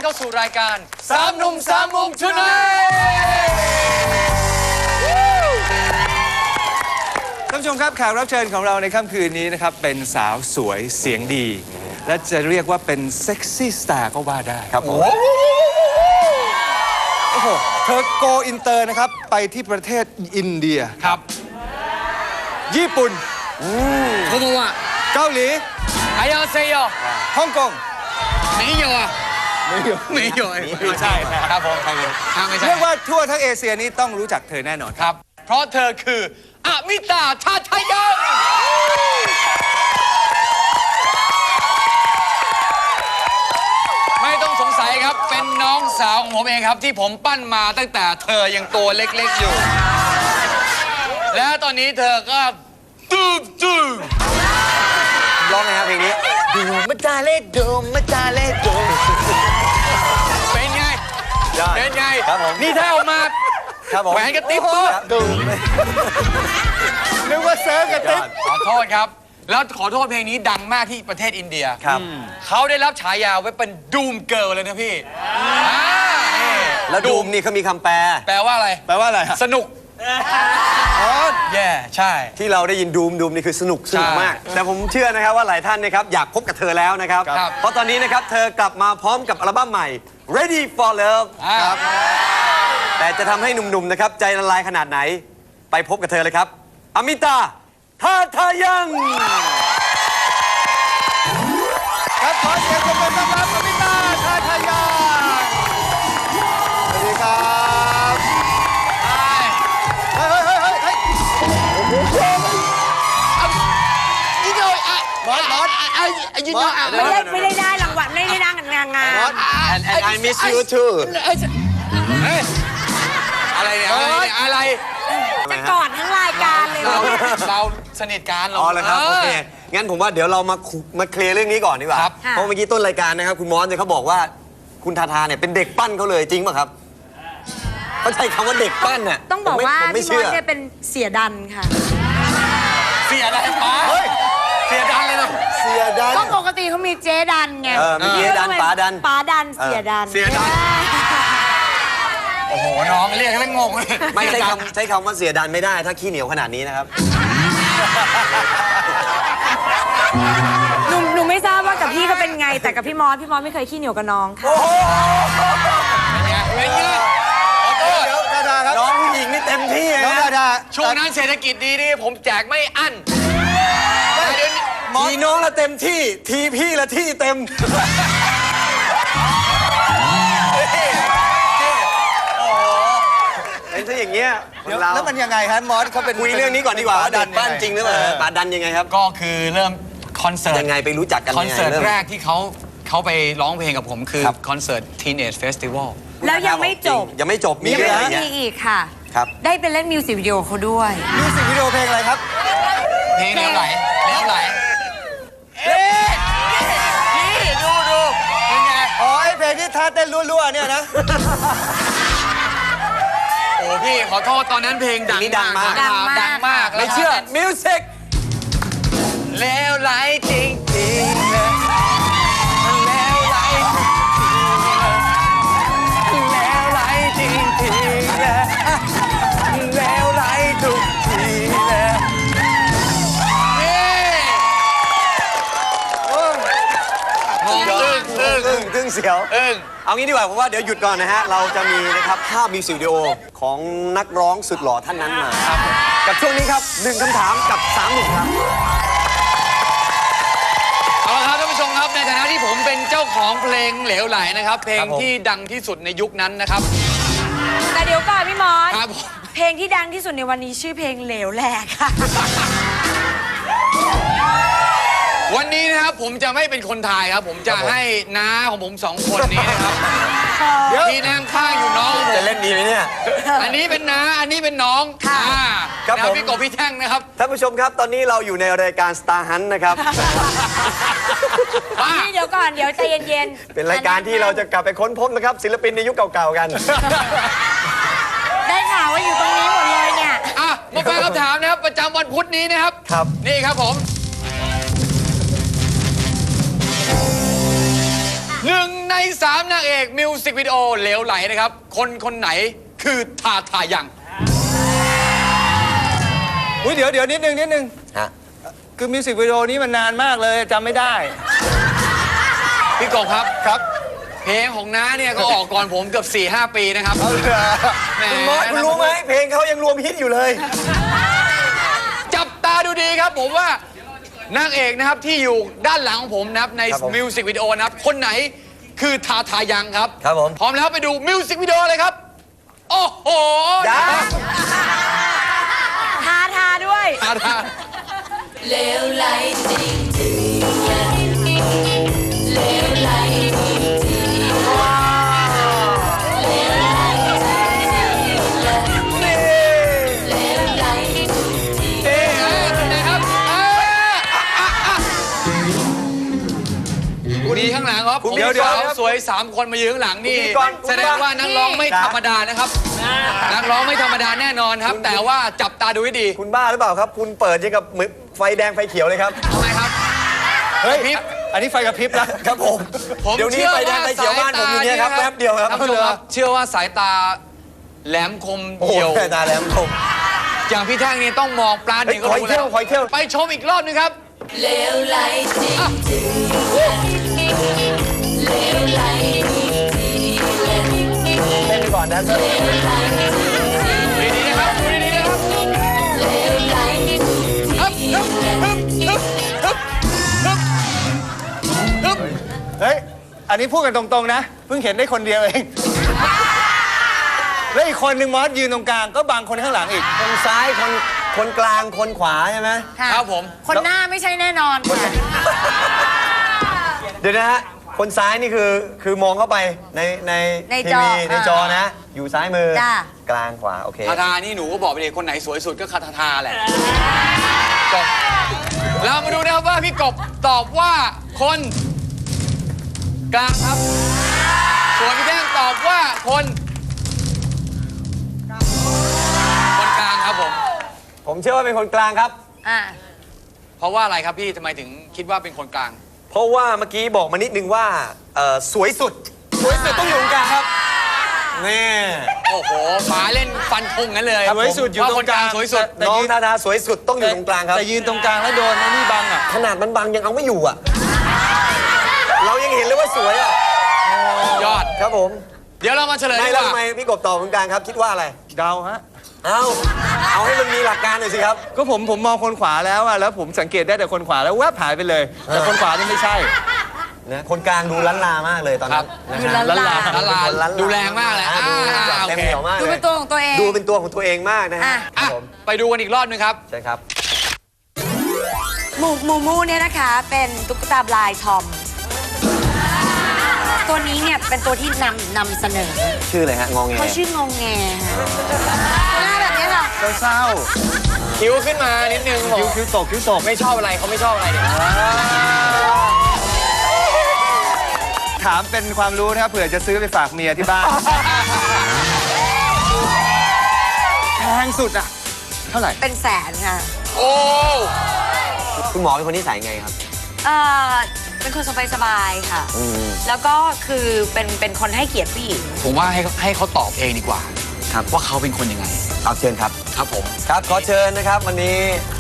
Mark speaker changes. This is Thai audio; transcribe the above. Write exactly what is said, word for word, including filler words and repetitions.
Speaker 1: เข้าสู่รายการสามหนุ่มสามมุมชุดไหน
Speaker 2: ท่านผู้ชมครับแขกรับเชิญของเราในค่ำคืนนี้นะครับเป็นสาวสวยเสียงดีและจะเรียกว่าเป็นเซ็กซี่สตาร์ก็ว่าได้ครับผมโอ้โหเธอโกอินเตอร์นะครับไปที่ประเทศอินเดีย
Speaker 1: ครับ
Speaker 2: ญี่ปุ่น
Speaker 1: โคโมวะ
Speaker 2: เกาหลี
Speaker 1: อายาเซโย
Speaker 2: ฮ่องกง
Speaker 1: ไม่โยอะ
Speaker 2: ไม่โย
Speaker 1: ไม่โยไม่ใช่ครับผม
Speaker 2: เรียกว่าทั่วทั้งเอเชียนี้ต้องรู้จักเธอแน่นอน
Speaker 1: ครับเพราะเธอคืออมิตาชาทายังไม่ต้องสงสัยครับเป็นน้องสาวของผมเองครับที่ผมปั้นมาตั้งแต่เธอยังตัวเล็กๆอยู่และตอนนี้เธอก็ตูบตูบ
Speaker 2: ร้องไงครับเพลงนี้ดูมาจาเล่ดูมาจาเล่ดู
Speaker 1: เป็นไงเป็นไง
Speaker 2: ครับผม
Speaker 1: นี่ถ้าออกมาแหวนกระติ๊บปุ๊บ
Speaker 2: ดูนึกว่าเซิร์ฟกระติ๊บ
Speaker 1: ขอโทษครับแล้วขอโทษเพลงนี้ดังมากที่ประเทศอินเดียครับเขาได้รับฉายาไว้เป็นดูมเกิร์ลเลยนะพี่
Speaker 2: แล้วดูมนี่เขามีคำแปล
Speaker 1: แปลว่าอะไร
Speaker 2: แปลว่าอะไร
Speaker 1: สนุกอ๋อแย่ใช่
Speaker 3: ที่เราได้ยินดูมดูมนี่คือสนุกสนุกมากแต่ผมเชื่อนะครับว่าหลายท่านนะครับอยากพบกับเธอแล้วนะครับเพราะตอนนี้นะครับเธอกลับมาพร้อมกับอัลบั้มใหม่ Ready for Love ครับแต่จะทำให้หนุ่มๆนะครับใจละลายขนาดไหนไปพบกับเธอเลยครับอมิตาทาทายัง
Speaker 2: ครับขอเสียงปรบมือต้อนรับอมิตาทาทายังสวัสดีครับเฮ้ยเฮ้ยเฮ้ยเฮ้ย
Speaker 1: ยิงเลยอ่ะ
Speaker 2: มอสมอส
Speaker 1: ไอ้ไอ้ยิงเลยอ่ะ
Speaker 4: ไม่ได้ไม่ได้ได้รางวัลไม่ได้ได้งานงาน
Speaker 3: and and I miss you too
Speaker 1: อะไรเนี่ยอะไร
Speaker 4: จะกอดทั้งรายการเลย
Speaker 1: เราเราสนิทกัน
Speaker 3: อ๋อเลยครับโอเคงั้นผมว่าเดี๋ยวเรามามาเคลียร์เรื่องนี้ก่อนดีกว่าเพราะเมื่อกี้ต้นรายการนะครับคุณมอสเนี่ยเขาบอกว่าคุณทาทาเนี่ยเป็นเด็กปั้นเขาเลยจริงป่ะครับเขาใช้คำว่าเด็กปั้นน่ะ
Speaker 4: ต้องบอกว่าพี่มอสเนี่ยเป็นเสียดันค่ะ
Speaker 1: เสียดันเฮ้ยเสียดันเลยนะ
Speaker 2: เสียดัน
Speaker 4: ก็ปกติเขามีเจดันไง
Speaker 3: เออมีเจดันป๋าดัน
Speaker 4: ป๋าดันเสียดัน
Speaker 1: เสียดันโอ้โหน้องเรียกแล้วงงเลย
Speaker 3: ไม่ใช้คำใช้คำว่าเสียดันไม่ได้ถ้าขี้เหนียวขนาดนี้นะครับ
Speaker 4: หนูหนูไม่ทราบว่ากับพี่เขาเป็นไงแต่กับพี่มอสพี่มอสไม่เคยขี้เหนียวกับน้องค่ะ
Speaker 1: เป็นไงเป็นไงขอโทษ
Speaker 2: ดาดาครับ
Speaker 3: น้องผู้หญิงนี่เต็มที่
Speaker 2: น้องดาดา
Speaker 1: ช่วงนั้นเศรษฐกิจดีนี่ผมแจกไม่อั้น
Speaker 3: ทีน้องละเต็มที่ทีพี่ละที่เต็มเป็นซะอย่างเงี้ย
Speaker 2: แล้วมันยังไงฮะมอสเขาเป็น
Speaker 3: คุยเรื่องนี้ก่อนดีกว่าดันปั้นจริงหรือเปล่าป๋าดันยังไงครับ
Speaker 1: ก็คือเริ่มคอนเสิร์ต
Speaker 3: ยังไงไปรู้จักกัน
Speaker 1: คอนเสิร์ตแรกที่เขาเขาไปร้องเพลงกับผมคือคอนเสิร์ต Teenage Festival
Speaker 4: แล้วยังไม่จบ
Speaker 3: ยังไม่จบมี
Speaker 4: เรื่องมีอีกค่ะได้ไปเล่นมิวสิกวิดีโอเขาด้วย
Speaker 2: มิวสิกวิดีโอเพลงอะไรครับ
Speaker 1: เพลงแล้วไหลแล้วไหลเอ๊ะนี่ดูดูเป็นไง
Speaker 2: อ๋อไอเพลงที่ท่าเต้นรั่วๆเนี่ยนะ
Speaker 1: โอ้พี่ขอโทษตอนนั้นเพลงดัง
Speaker 3: ดังมาก
Speaker 1: ดังมาก
Speaker 3: ไม่เชื่อมิวสิก
Speaker 1: แล้วไหลจริงจริงแล้วไหลแล้วไหลจริงจริงแล้วไหลทุกทีเลยงงตึ้งตึ้ง
Speaker 3: ตึ้งตึ้งเสียว
Speaker 1: อึ้ง
Speaker 3: เอางี้ดีกว่าผมว่าเดี๋ยวหยุดก่อนนะฮะเราจะมีนะครับภาพมิวสิกวิดีโอของนักร้องสุดหล่อท่านนั้นมากับช่วงนี้ครับหนึ่งคำถามกับสามหนุ่มครับ
Speaker 1: เอาละครับท่านผู้ชมครับในฐานะที่ผมเป็นเจ้าของเพลงเหลวไหลนะครับเพลงที่ดังที่สุดในยุคนั้นนะครับ
Speaker 4: แต่เดี๋ยวก่อนพี่มอสเพลงที่ดังที่สุดในวันนี้ชื่อเพลงเหลวแหลกค่ะ
Speaker 1: วันนี้นะครับผมจะไม่เป็นคนทายครับผมจะให้น้าของผมสองคนนี้นะครับที่นั่งข้างอยู่น้อง
Speaker 3: จะเล่นดีไหมเนี่ย
Speaker 1: อันนี้เป็นน้าอันนี้เป็นน้อง
Speaker 4: ค่ะ
Speaker 1: ครับผมพี่กบพี่แท่งนะครับ
Speaker 3: ท่านผู้ชมครับตอนนี้เราอยู่ในรายการ Star Hunt นะครับ
Speaker 4: นี่เดี๋ยวก่อนเดี๋ยวใจเย็น
Speaker 3: ๆเป็นรายการที่เราจะกลับไปค้นพบนะครับศิลปินในยุคเก่าๆกัน
Speaker 4: ได้ข่าวว่าอยู่ตรงนี้หมดเลยเนี่ย
Speaker 1: อ่ะมาฟังคำถามนะครับประจำวันพุธนี้นะครับ
Speaker 3: ครับ
Speaker 1: นี่ครับผมหนึ่งในสามนางเอกมิวสิกวิดีโอเหลวไหลนะครับ คนคนไหนคือทาทายัง
Speaker 2: อุ้ยเดี๋ยวเดี๋ยวนิดนึงนิดนึง
Speaker 3: ฮะ
Speaker 2: คือมิวสิกวิดีโอนี้มันนานมากเลยจำไม่ได้
Speaker 1: พี่กบครับ
Speaker 2: ครับ
Speaker 1: เพลงของน้าเนี่ยก็ออกก่อนผมเกือบ สี่ห้า ปีนะครับ
Speaker 2: เอาเลย
Speaker 1: แหม
Speaker 3: คุณมอสคุณรู้ไหมเพลงเขายังรวมฮิตอยู่เลย
Speaker 1: จับตาดูดีครับผมว่านางเอกนะครับที่อยู่ด้านหลังของผมนะครับใน
Speaker 3: ครับผม
Speaker 1: มิวสิกวิดีโอนะครับคนไหนคือทาทายังครับ
Speaker 3: ครับผม
Speaker 1: พร้อมแล้วไปดูมิวสิกวิดีโอเลยครับ โอ้โห
Speaker 3: ยัง
Speaker 4: ทาทาด้วย
Speaker 1: ทาทา
Speaker 5: เลวไหลจริงจริงเลวไหลจริงจริงเลวไหลจริงจริงเลวไหลจริงจริง
Speaker 1: เอ๊ะเอ๊ะไหนครับเอ๊ะอ่ะอ่ะอ่ะมีข้างหลังครับผม
Speaker 3: เดี๋ยวเดี๋ยว
Speaker 1: สาวสวยสามคนมายืนข้างหลังนี่
Speaker 3: คุณพิธีกร
Speaker 1: แสดงว่านักร้องไม่ธรรมดานะครับนักร้องไม่ธรรมดาแน่นอนครับ แต่ว่าจับตาดูให้ดี
Speaker 3: คุณบ้าหรือเปล่าครับ คุณเปิดยังกับมือไฟแดงไฟเขียวเลยครับ
Speaker 1: ทำไมครับ
Speaker 2: เฮ้ย
Speaker 1: พริบ
Speaker 2: อันนี้ไฟกระพริบนะครับ
Speaker 3: ผม
Speaker 1: ผม
Speaker 3: เดี๋ยวนี้
Speaker 1: เชื่อ
Speaker 3: ไฟแดง
Speaker 1: ว่า
Speaker 3: ไฟเขียวบ้านผมอย่างเงี้ยครับ
Speaker 1: สายตา
Speaker 3: แป๊บเดียวครับ
Speaker 1: ท่านผู้ชมครับเชื่อว่าสายตาแหลมคม
Speaker 3: โอ้โห
Speaker 1: เหี่ยว
Speaker 3: แค่ตาแหลมคม
Speaker 1: อย่างพี่แท่งนี่ต้องมองปลา
Speaker 3: เฮ้
Speaker 1: ถึ
Speaker 3: ย
Speaker 1: งก็
Speaker 3: ขออี
Speaker 1: รู้
Speaker 3: กเที่
Speaker 1: แล้
Speaker 3: ยว วขออีกเที่ยว
Speaker 1: ไปชมอีกรอบหนึงครับ
Speaker 5: เลวไหลจริงจริงเลวไหลจริงจริง
Speaker 3: เล่นไปก่อนนะ
Speaker 5: เลวไหลจริงจริง
Speaker 1: ดีๆนะครับดูดีๆนะครับ
Speaker 5: เลวไหลจริงจริง
Speaker 1: ฮึบฮึบฮึบฮึบฮึบฮึบฮึบ
Speaker 2: เฮ้ย อันนี้พูดกันตรงๆนะ เพิ่งเห็นได้คนเดียวเอง แล้วอีกคนหนึ่งมอสยืนตรงกลางก็บังคนข้างหลังอีก
Speaker 3: คนซ้ายคนคนกลางคนขวาใช่ไหม
Speaker 1: ครับผม
Speaker 4: คนหน้าไม่ใช่แน่นอนค่ะ
Speaker 3: เดี๋ยวนะฮะคนซ้ายนี่คือคือมองเข้าไปในใน
Speaker 4: ใน
Speaker 3: ที
Speaker 4: จอ
Speaker 3: วีในจอ
Speaker 4: อ่าน
Speaker 3: นะ อยู่ซ้ายมือ
Speaker 4: จ้ะ
Speaker 3: กลางขวาโอเค
Speaker 1: ทาทานี่หนูก็บอกไปเลยคนไหนสวยสุดก็คาทาทาแหละจบเรามาดูนะครับว่าพี่กบตอบว่าคนกลางครับ ส่วนพี่แท่งตอบว่าคนคนกลางครับผม
Speaker 3: ผมเชื่อว่าเป็นคนกลางครับ
Speaker 4: อ่า
Speaker 1: เพราะว่าอะไรครับพี่ทำไมถึงคิดว่าเป็นคนกลาง
Speaker 3: เพราะว่าเมื่อกี้บอกมานิดนึงว่าเอ่อสวยสุด สวยสุดต้องอยู่ตรงกลางครับนี่
Speaker 1: โอ้โหป๋าเล่นฟันธงกันเลย
Speaker 2: สวยสุดอยู่ตรงกลาง
Speaker 1: ว่คนสวยสุด
Speaker 2: แต่
Speaker 3: น้อง
Speaker 2: ยืน
Speaker 3: ทาทาสวยสุดต้องอยู่ตรงกลางครับ
Speaker 2: แต่ยืนตรงกลางแล้วโดนไอ้นี่บังอ่ะ
Speaker 3: ขนาดมันบังยังเอาไม่อยู่อ่ะ เรายังเห็นเลยว่าสวยอ่ะ
Speaker 1: ยอด
Speaker 3: ครับผม
Speaker 1: เดี๋ยวเรามาเฉลย
Speaker 3: ไม่
Speaker 1: ดีก
Speaker 3: แล้ว
Speaker 1: ว่า
Speaker 3: ทำไมพี่กบตอบตรงกลางครับ คิดว่าอะไร
Speaker 2: เดาฮะ
Speaker 3: เอาเอาให้มันมีหลักการหน่อยสิครับ
Speaker 2: ก็ผมผมมองคนขวาแล้วอะแล้วผมสังเกตได้แต่คนขวาแล้วแวบหายไปเลย แต่คนขวานี่ไม่ใช่
Speaker 3: นะคนกลางดูล้านลามากเลยตอนนั้นนะ
Speaker 4: ดู
Speaker 3: ครั
Speaker 4: ล้า
Speaker 3: บ
Speaker 4: นลา
Speaker 1: ละลาน
Speaker 3: ล้านลา
Speaker 1: ดูแรงมากเลย
Speaker 3: อ่
Speaker 1: อ่า
Speaker 3: ดูแบบ
Speaker 1: โอ
Speaker 3: เต็ม
Speaker 1: เค
Speaker 3: เหนียวมาก
Speaker 4: ดู
Speaker 3: เล
Speaker 4: เป็
Speaker 3: ย
Speaker 4: นตัวของตัวเอง
Speaker 3: ดูเป็นตัวของตัวเองมากนะฮะ
Speaker 4: อ่ะ
Speaker 1: อ่ะ
Speaker 3: ครับผม
Speaker 1: ไปดูกันอีกรอบหนึงครับ
Speaker 3: ใช่ครับ
Speaker 4: หมูหมูมูเนี่ยนะคะ เป็นตุ๊กตาบลายทอม ตัวนี้เนี่ยเป็นตัวที่นำนำเสนอ
Speaker 3: ชื่ออะไรฮะ งองแง
Speaker 4: เขาชื่องงแงหน้าแบบนี้ค่ะ
Speaker 2: เศร้า
Speaker 1: คิ้วขึ้นมานิดนึง
Speaker 2: ๆคิ้วคิ้วตกคิ้วตก
Speaker 1: ไม่ชอบอะไรเขาไม่ชอบอะไรเนี่ย
Speaker 2: ถามเป็นความรู้นะครับเผื่อจะซื้อไปฝากเมียที่บ้าน แพงสุดอะเท่าไหร่
Speaker 4: เป็นแสนค่ะ
Speaker 1: โอ้
Speaker 3: คุณหมอเป็นคนนิสัยไงครับ
Speaker 4: เออเป็นคนสบายๆค่ะ
Speaker 3: อืม
Speaker 4: แล้วก็คือเป็นเป็นคนให้เกียรติผู้หญิง
Speaker 1: ผมว่าให้ให้เขาตอบเองดีกว่า
Speaker 3: ครับ
Speaker 1: ว่าเขาเป็นคนยังไง
Speaker 3: เอาเชิญครับ
Speaker 1: ครับผม
Speaker 3: ครับ ขอเชิญนะครับ วันนี้